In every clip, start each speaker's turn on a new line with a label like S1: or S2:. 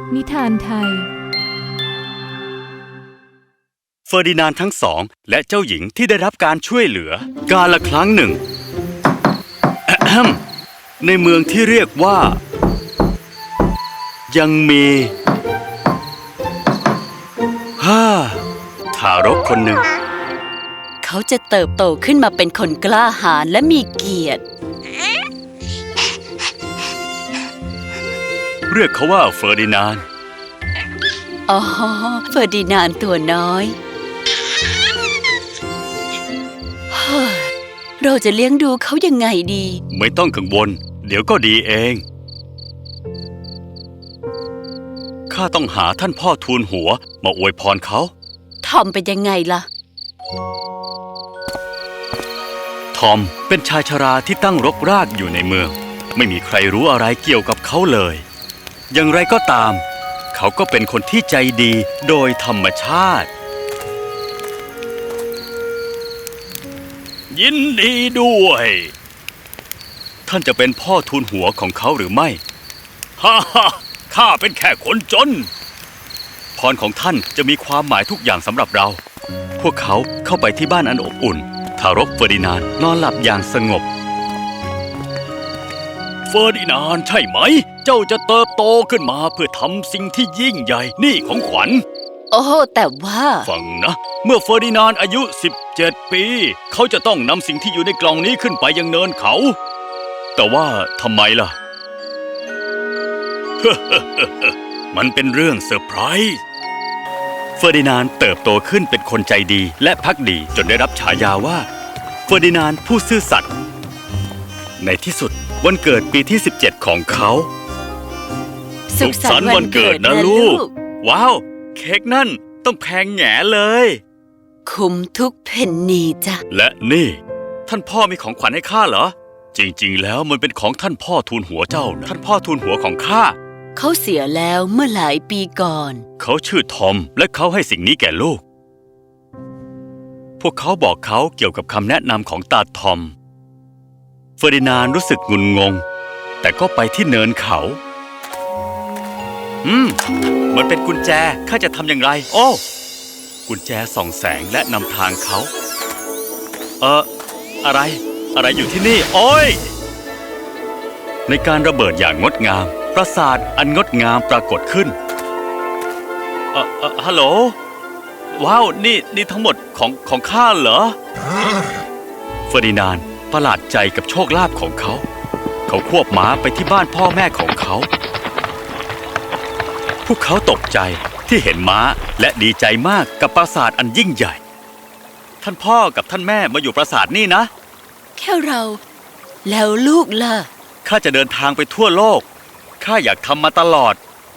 S1: นิทานไทย
S2: เฟอร์ดินานด์ทั้งสองและเจ้าหญิงที่ได้รับการช่วยเหลือกาลครั้งหนึ่ง ในเมืองที่เรียกว่ายังมีทารกคนหนึ่ง
S3: เขาจะเติบโตขึ้นมาเป็นคนกล้าหาญและมีเกียรติ
S2: เรียกเขาว่าเฟอร์ดินานด์
S3: อ๋อเฟอร์ดินานด์ตัวน้อยเราจะเลี้ยงดูเขายังไงดี
S2: ไม่ต้องกังวลเดี๋ยวก็ดีเองข้าต้องหาท่านพ่อทูลหัวมาอวยพรเขา
S3: ทอมเป็นยังไงล่ะ
S2: ทอมเป็นชายชราที่ตั้งรกรากอยู่ในเมืองไม่มีใครรู้อะไรเกี่ยวกับเขาเลยอย่างไรก็ตามเขาก็เป็นคนที่ใจดีโดยธรรมชาติยินดีด้วยท่านจะเป็นพ่อทูลหัวของเขาหรือไม่ฮ่าฮ่าข้าเป็นแค่คนจนพรของท่านจะมีความหมายทุกอย่างสำหรับเราพวกเขาเข้าไปที่บ้านอันอบอุ่นทารกเฟอร์ดินานด์นอนหลับอย่างสงบเฟอร์ดินานด์ใช่ไหมเจ้าจะเติบโตขึ้นมาเพื่อทำสิ่งที่ยิ่งใหญ่นี่ของขวัญ
S3: โอ้แต่ว่า
S2: ฟังนะเมื่อเฟอร์ดินานด์อายุ17 ปีเขาจะต้องนำสิ่งที่อยู่ในกล่องนี้ขึ้นไปยังเนินเขาแต่ว่าทำไมล่ะ มันเป็นเรื่องเซอร์ไพรส์เฟอร์ดินานด์เติบโตขึ้นเป็นคนใจดีและภักดีจนได้รับฉายาว่าเฟอร์ดินานด์ผู้ซื่อสัตย์ในที่สุดวันเกิดปีที่17ของเขาสุขสันต์วันเกิดนะลูกว้าวเค้กนั่นต้องแพงแหง่เลย
S3: คุ้มทุกเพนนีจ้ะ
S2: และนี่ท่านพ่อมีของขวัญให้ข้าเหรอจริงๆแล้วมันเป็นของท่านพ่อทูลหัวเจ้านะท่านพ่อทูลหัวของข้า
S3: เขาเสียแล้วเมื่อหลายปีก่อน
S2: เขาชื่อทอมและเขาให้สิ่งนี้แก่ลูกพวกเขาบอกเขาเกี่ยวกับคำแนะนำของตาทอมเฟอร์ดินานด์รู้สึกงุนงงแต่ก็ไปที่เนินเขามันเป็นกุญแจข้าจะทำอย่างไรโอ้กุญแจส่องแสงและนำทางเขาอะไรอยู่ที่นี่โอ้ยในการระเบิดอย่างงดงามปราสาทอันงดงามปรากฏขึ้นฮัลโหลว้าวนี่ทั้งหมดของข้าเหรอเฟอร์ดินานด์ประหลาดใจกับโชคลาภของเขาควบม้าไปที่บ้านพ่อแม่ของเขาพวกเขาตกใจที่เห็นม้าและดีใจมากกับปราสาทอันยิ่งใหญ่ท่านพ่อกับท่านแม่มาอยู่ปราสาทนี่นะ
S3: แค่เราแล้วลูกล่ะ
S2: ข้าจะเดินทางไปทั่วโลกข้าอยากทำมาตลอด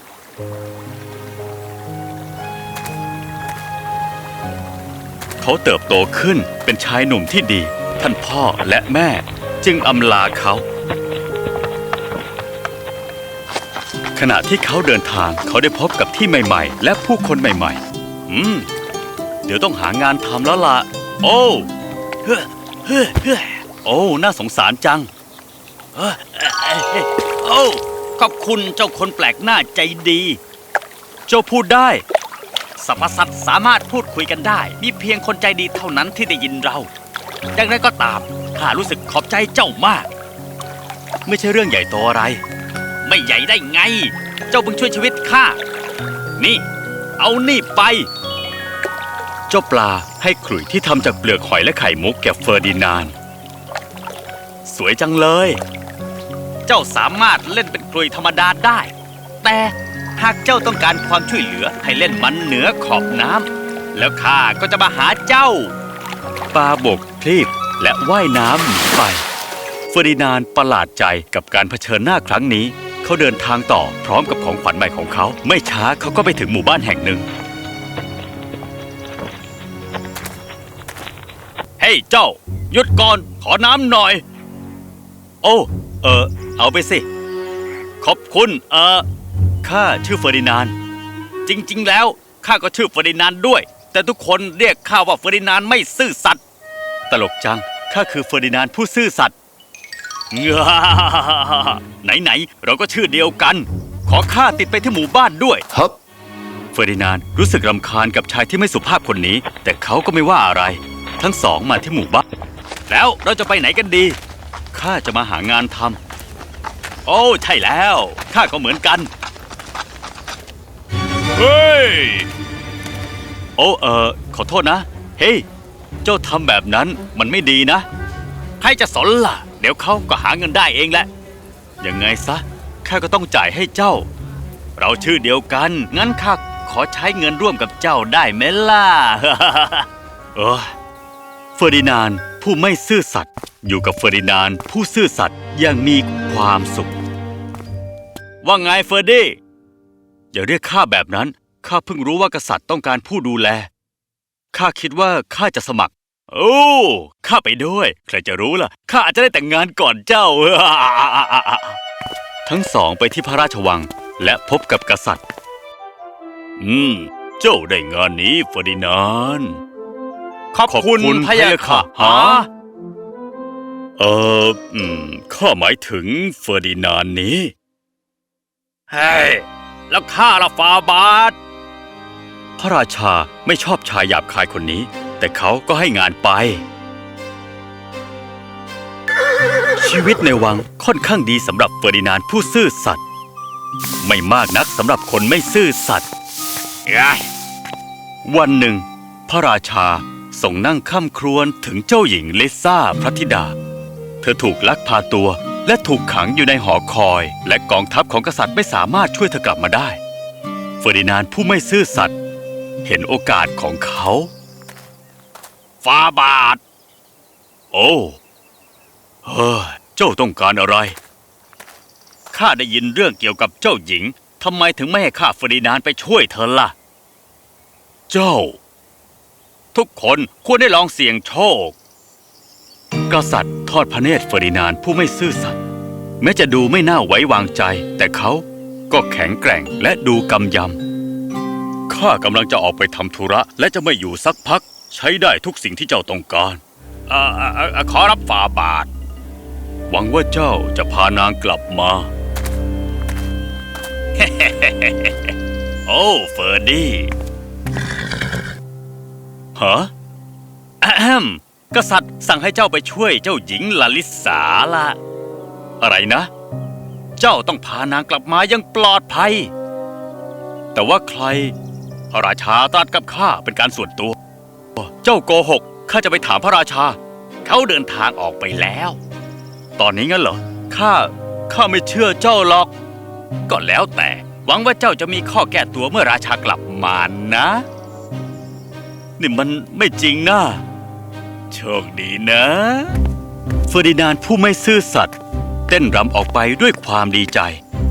S2: เขาเติบโตขึ้นเป็นชายหนุ่มที่ดีท่านพ่อและแม่จึงอำลาเขาขณะที่เขาเดินทางเขาได้พบกับที่ใหม่ๆและผู้คนใหม่ๆเดี๋ยวต้องหางานทำแล้วล่ะโอ้น่าสงสารจังขอบคุณเจ้าคนแปลกหน้าใจดีเจ้าพูดได้สรรพสัตว์สามารถพูดคุยกันได้มีเพียงคนใจดีเท่านั้นที่ได้ยินเราอย่างไรก็ตามข้ารู้สึกขอบใจเจ้ามากไม่ใช่เรื่องใหญ่โตอะไรไม่ใหญ่ได้ไงเจ้าเพิ่งช่วยชีวิตข้านี่เอานี่ไปเจ้าปลาให้ขลุ่ยที่ทำจากเปลือกหอยและไข่มุกแก่เฟอร์ดินานด์สวยจังเลยเจ้าสามารถเล่นเป็นขลุ่ยธรรมดาได้แต่หากเจ้าต้องการความช่วยเหลือให้เล่นมันเหนือขอบน้ำแล้วข้าก็จะมาหาเจ้าปลาบกคลีบและว่ายน้ำหนีไปเฟอร์ดินานด์ประหลาดใจกับการเผชิญหน้าครั้งนี้เขาเดินทางต่อพร้อมกับของขวัญใหม่ของเขาไม่ช้าเขาก็ไปถึงหมู่บ้านแห่งหนึ่งเฮ้ยเจ้าหยุดก่อนขอน้ำหน่อยโอ้เอาไปสิขอบคุณข้าชื่อเฟอร์ดินานด์จริงๆแล้วข้าก็ชื่อเฟอร์ดินานด์ด้วยแต่ทุกคนเรียกข้าว่าเฟอร์ดินานด์ไม่ซื่อสัตย์ตลกจังข้าคือเฟอร์ดินานด์ผู้ซื่อสัตย์ไหนเราก็ชื่อเดียวกันขอข้าติดไปที่หมู่บ้านด้วย
S1: ครับ
S2: เฟอร์ดินานด์รู้สึกรำคาญกับชายที่ไม่สุภาพคนนี้ แต่เขาก็ไม่ว่าอะไร ทั้งสองมาที่หมู่บ้านแล้วเราจะไปไหนกันดีข้าจะมาหางานทำโอ้ใช่แล้วข้าก็เหมือนกันเฮ้ยโอ้ขอโทษนะเฮ้ยเจ้าทำแบบนั้นมันไม่ดีนะใครจะสนล่ะเดี๋ยวเขาก็หาเงินได้เองแหละยังไงซะข้าก็ต้องจ่ายให้เจ้าเราชื่อเดียวกันงั้นข้าขอใช้เงินร่วมกับเจ้าได้ไหมล่ะ เฟอร์ดินานด์ผู้ไม่ซื่อสัตย์อยู่กับเฟอร์ดินานด์ผู้ซื่อสัตย์อย่างมีความสุขว่าไงเฟอร์ดี้อย่าเรียกข้าแบบนั้นข้าเพิ่งรู้ว่ากษัตริย์ต้องการผู้ดูแลข้าคิดว่าข้าจะสมัครโอ้ข้าไปด้วยใครจะรู้ล่ะข้าอาจจะได้แต่งงานก่อนเจ้า ทั้งสองไปที่พระราชวังและพบกับกษัตริย์เจ้าได้งานนี้เฟอร์ดินานด์ขอบคุณพะยะค่ะฮะข้าหมายถึงเฟอร์ดินานด์นี้เฮ้ยแล้วข้าละฟาบาทพระราชาไม่ชอบชายหยาบคายคนนี้แต่เขาก็ให้งานไปชีวิตในวังค่อนข้างดีสำหรับเฟอร์ดินานด์ผู้ซื่อสัตย์ไม่มากนักสำหรับคนไม่ซื่อสัตย์วันหนึ่งพระราชาทรงนั่งค่ำครวญถึงเจ้าหญิงลิซ่าพระธิดาเธอถูกลักพาตัวและถูกขังอยู่ในหอคอยและกองทัพของกษัตริย์ไม่สามารถช่วยเธอกลับมาได้เฟอร์ดินานด์ผู้ไม่ซื่อสัตย์เห็นโอกาสของเขาฟาบาทโอ้เจ้าต้องการอะไรข้าได้ยินเรื่องเกี่ยวกับเจ้าหญิงทำไมถึงไม่ให้ข้าเฟอร์ดินานด์ไปช่วยเธอล่ะเจ้าทุกคนควรได้ลองเสี่ยงโชคกษัตริย์ทอดพระเนตรเฟอร์ดินานด์ผู้ไม่ซื่อสัตย์แม้จะดูไม่น่าไว้วางใจแต่เขาก็แข็งแกร่งและดูกำยำข้ากำลังจะออกไปทำธุระและจะไม่อยู่สักพักใช้ได้ทุกสิ่งที่เจ้าต้องการขอรับฝ่าบาทหวังว่าเจ้าจะพานางกลับมา โอ้เฟอร์ดี้ฮะกษัตริย์สั่งให้เจ้าไปช่วยเจ้าหญิงลาลิสาละอะไรนะเจ้าต้องพานางกลับมาอย่างปลอดภัยแต่ว่าใครพระราชาตรัสกับข้าเป็นการส่วนตัวเจ้าโกหกข้าจะไปถามพระราชาเขาเดินทางออกไปแล้วตอนนี้งั้นเหรอข้าไม่เชื่อเจ้าหรอกก็แล้วแต่หวังว่าเจ้าจะมีข้อแก้ตัวเมื่อราชากลับมานะนี่มันไม่จริงนะโชคดีนะเฟอร์ดินานด์ผู้ไม่ซื่อสัตย์เต้นรำออกไปด้วยความดีใจ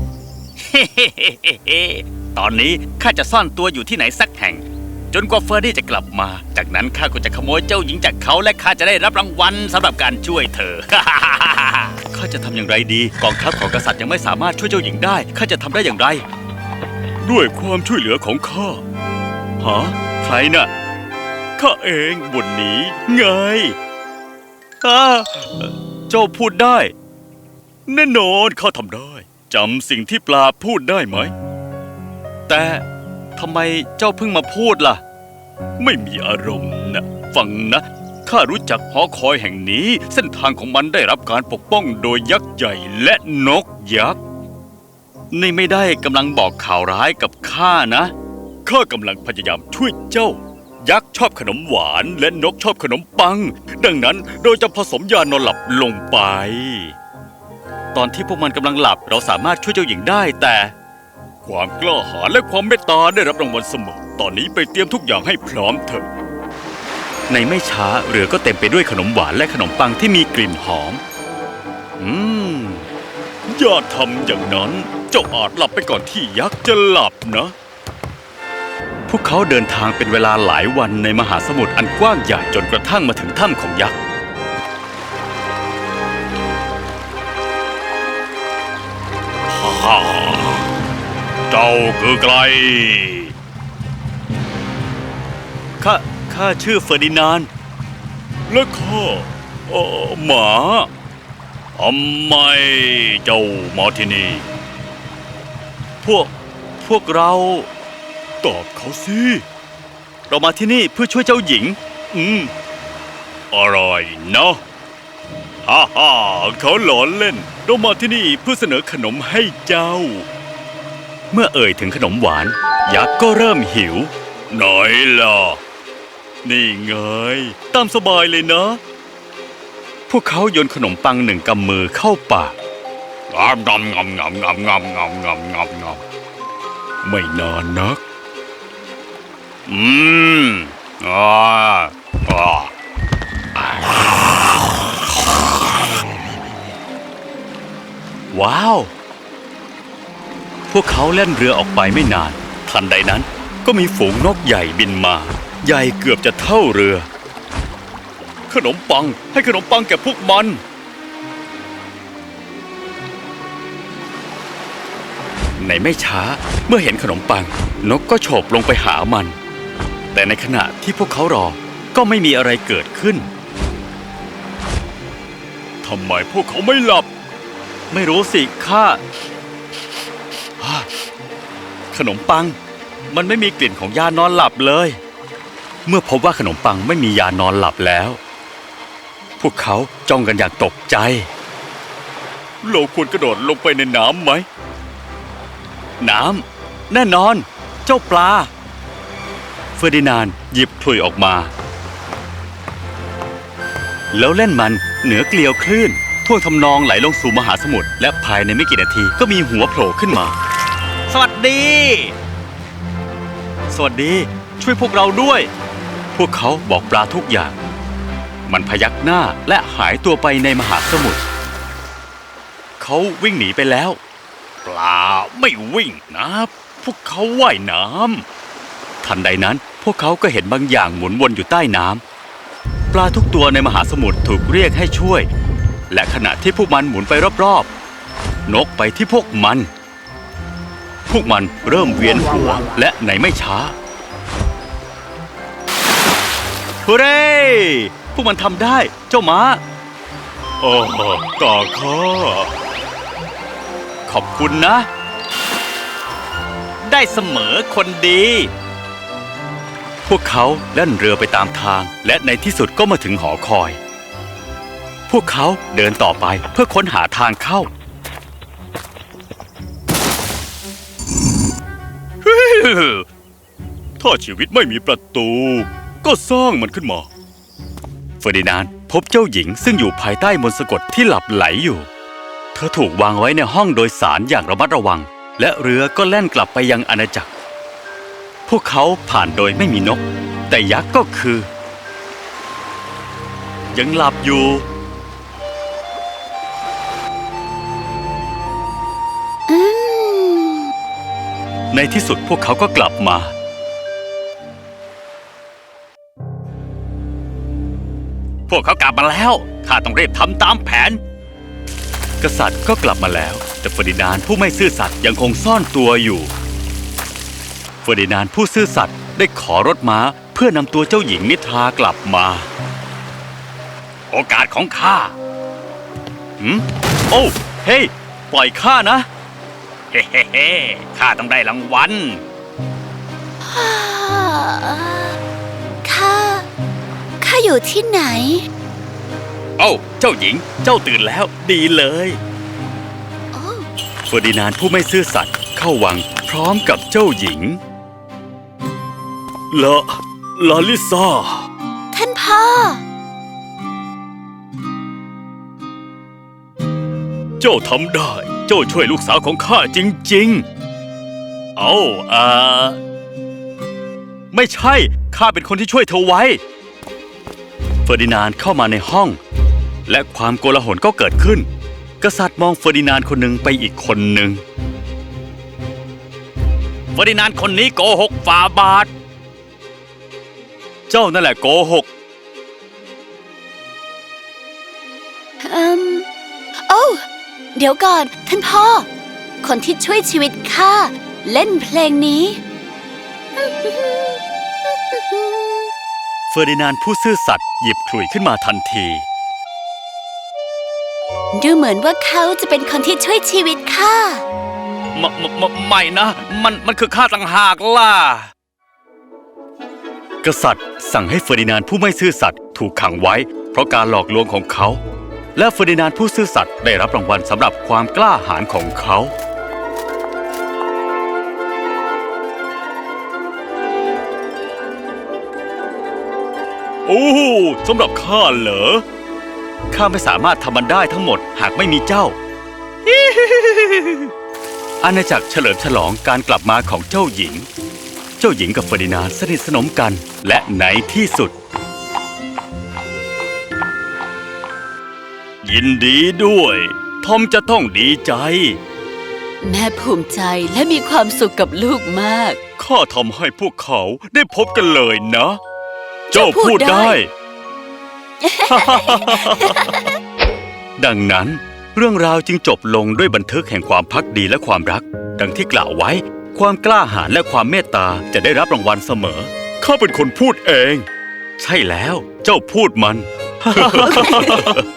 S2: ตอนนี้ข้าจะซ่อนตัวอยู่ที่ไหนสักแห่งจนกว่าเฟอร์ดี้จะกลับมาจากนั้นข้าก็จะขโมยเจ้าหญิงจากเขาและข้าจะได้รับรางวัลสำหรับการช่วยเธอ ข้าจะทำอย่างไรดีกองทัพของกษัตริย์ยังไม่สามารถช่วยเจ้าหญิงได้ข้าจะทำได้อย่างไรด้วยความช่วยเหลือของข้าฮะใครน่ะข้าเองบนนี้ไงเจ้าพูดได้แน่นอนข้าทำได้จำสิ่งที่ปลาพูดได้ไหมแต่ทำไมเจ้าเพิ่งมาพูดล่ะไม่มีอารมณ์นะฟังนะข้ารู้จักหอคอยแห่งนี้เส้นทางของมันได้รับการปกป้องโดยยักษ์ใหญ่และนกยักษ์นี่ไม่ได้กำลังบอกข่าวร้ายกับข้านะข้ากำลังพยายามช่วยเจ้ายักษ์ชอบขนมหวานและนกชอบขนมปังดังนั้นเราจะผสมยานอนหลับลงไปตอนที่พวกมันกำลังหลับเราสามารถช่วยเจ้าหญิงได้แต่ความกล้าหาญและความเมตตาได้รับรางวัลเสมอตอนนี้ไปเตรียมทุกอย่างให้พร้อมเถอะในไม่ช้าเรือก็เต็มไปด้วยขนมหวานและขนมปังที่มีกลิ่นหอมอย่าทำอย่างนั้นเจ้าอาจหลับไปก่อนที่ยักษ์จะหลับนะพวกเขาเดินทางเป็นเวลาหลายวันในมหาสมุทรอันกว้างใหญ่จนกระทั่งมาถึงถ้ำของยักษ์เจ้าคือใครข้าชื่อเฟอร์ดินานด์และข้าหมาทำไมเจ้ามาที่นี่พวกเราตอบเขาสิเรามาที่นี่เพื่อช่วยเจ้าหญิงอะไรนะฮ่าฮ่าเขาหลอนเล่นเรามาที่นี่เพื่อเสนอขนมให้เจ้าเมื่อเอ่ยถึงขนมหวานยักษ์ก็เริ่มหิวไหนล่ะนี่ไงตามสบายเลยนะพวกเขาโยนขนมปัง1 กำมือเข้าปากงำงำงำงำงำงำงำงำงำไม่นานนักอ่าว้าวพวกเขาเล่นเรือออกไปไม่นานทันใดนั้นก็มีฝูงนกใหญ่บินมาใหญ่เกือบจะเท่าเรือขนมปังให้ขนมปังแก่พวกมันในไม่ช้าเมื่อเห็นขนมปังนกก็โฉบลงไปหามันแต่ในขณะที่พวกเขารอก็ไม่มีอะไรเกิดขึ้นทำไมพวกเขาไม่หลับไม่รู้สิข้าขนมปังมันไม่มีกลิ่นของยานอนหลับเลยเมื่อพบว่าขนมปังไม่มียานอนหลับแล้วพวกเขาจ้องกันอย่างตกใจเราควรกระโดดลงไปในน้ำไหมน้ำแน่นอนเจ้าปลาเฟอร์ดินานด์หยิบขลุ่ยออกมาแล้วเล่นมันเหนือเกลียวคลื่นท่วงทำนองไหลลงสู่มหาสมุทรและภายในไม่กี่นาทีก็มีหัวโผล่ขึ้นมาสวัสดีช่วยพวกเราด้วยพวกเขาบอกปลาทุกอย่างมันพยักหน้าและหายตัวไปในมหาสมุทรเขาวิ่งหนีไปแล้วปลาไม่วิ่งนะพวกเขาว่ายน้ำทันใดนั้นพวกเขาก็เห็นบางอย่างหมุนวนอยู่ใต้น้ำปลาทุกตัวในมหาสมุทรถูกเรียกให้ช่วยและขณะที่พวกมันหมุนไปรอบๆนกไปที่พวกมันเริ่มเวียนหัวและในไม่ช้าฮูเร่พวกมันทำได้เจ้าม้าตาข้าขอบคุณนะได้เสมอคนดีพวกเขาเล่นเรือไปตามทางและในที่สุดก็มาถึงหอคอยพวกเขาเดินต่อไปเพื่อค้นหาทางเข้าถ้าชีวิตไม่มีประตูก็สร้างมันขึ้นมาเฟอร์ดินานด์พบเจ้าหญิงซึ่งอยู่ภายใต้มนต์สะกดที่หลับไหลอยู่เธอถูกวางไว้ในห้องโดยสารอย่างระมัดระวังและเรือก็แล่นกลับไปยังอาณาจักรพวกเขาผ่านโดยไม่มีนกแต่ยักษ์ก็คือยังหลับอยู่ในที่สุดพวกเขาก็กลับมาพวกเขากลับมาแล้วข้าต้องรีบทำตามแผนกษัตริย์ก็กลับมาแล้วแต่เฟอร์ดินานด์ผู้ไม่ซื่อสัตย์ยังคงซ่อนตัวอยู่เฟอร์ดินานด์ผู้ซื่อสัตย์ได้ขอรถม้าเพื่อนำตัวเจ้าหญิงนิทรากลับมาโอกาสของข้าโอ้เฮ้ยปล่อยข้านะเฮ้เฮ้ข้าต้องได้รางวัล
S3: ข้าอยู่ที่ไหน
S2: โอ้เจ้าหญิงเจ้าตื่นแล้วดีเลยเฟอร์ดินานด์ผู้ไม่ซื่อสัตย์เข้าวังพร้อมกับเจ้าหญิงลาลิซา
S3: ท่านพ่อ
S2: เจ้าทำได้เจ้าช่วยลูกสาวของข้าจริงๆไม่ใช่ข้าเป็นคนที่ช่วยเธอไว้เฟอร์ดินานด์เข้ามาในห้องและความโกลาหลก็เกิดขึ้นกษัตริย์มองเฟอร์ดินานด์คนหนึ่งไปอีกคนหนึ่งเฟอร์ดินานด์คนนี้โกหกฝ่าบาทเจ้านั่นแหละโกหก
S3: โอ้เดี๋ยวก่อนท่านพ่อคนที่ช่วยชีวิตข้าเล่นเพลงนี้
S2: เฟอร์ดินานด์ผู้ซื่อสัตย์หยิบขลุ่ยขึ้นมาทันที
S3: ดูเหมือนว่าเขาจะเป็นคนที่ช่วยชีวิตข้า
S2: ไม่นะ มันคือข้าต่างหากล่ะ กษัตริย์สั่งให้เฟอร์ดินานด์ผู้ไม่ซื่อสัตย์ถูกขังไว้เพราะการหลอกลวงของเขา และเฟอร์ดินานด์ผู้ซื่อสัตย์ได้รับรางวัลสำหรับความกล้าหาญของเขา โอ้สำหรับข้าเหรอ ข้าไม่สามารถทำมันได้ทั้งหมดหากไม่มีเจ้า อาณาจักรเฉลิมฉลองการกลับมาของเจ้าหญิง เจ้าหญิงกับเฟอร์ดินานด์สนิทสนมกัน และในที่สุด ยินดีด้วย ทอมจะต้องดีใจ
S3: แม่ภูมิใจและมีความสุขกับลูกมาก
S2: ข้าทำให้พวกเขาได้พบกันเลยนะ เจ้าพูดได้ ดังนั้นเรื่องราวจึงจบลงด้วยบันทึกแห่งความภักดีและความรัก ดังที่กล่าวไว้ ความกล้าหาญและความเมตตาจะได้รับรางวัลเสมอ ข้าเป็นคนพูดเอง ใช่แล้ว เจ้าพูดมัน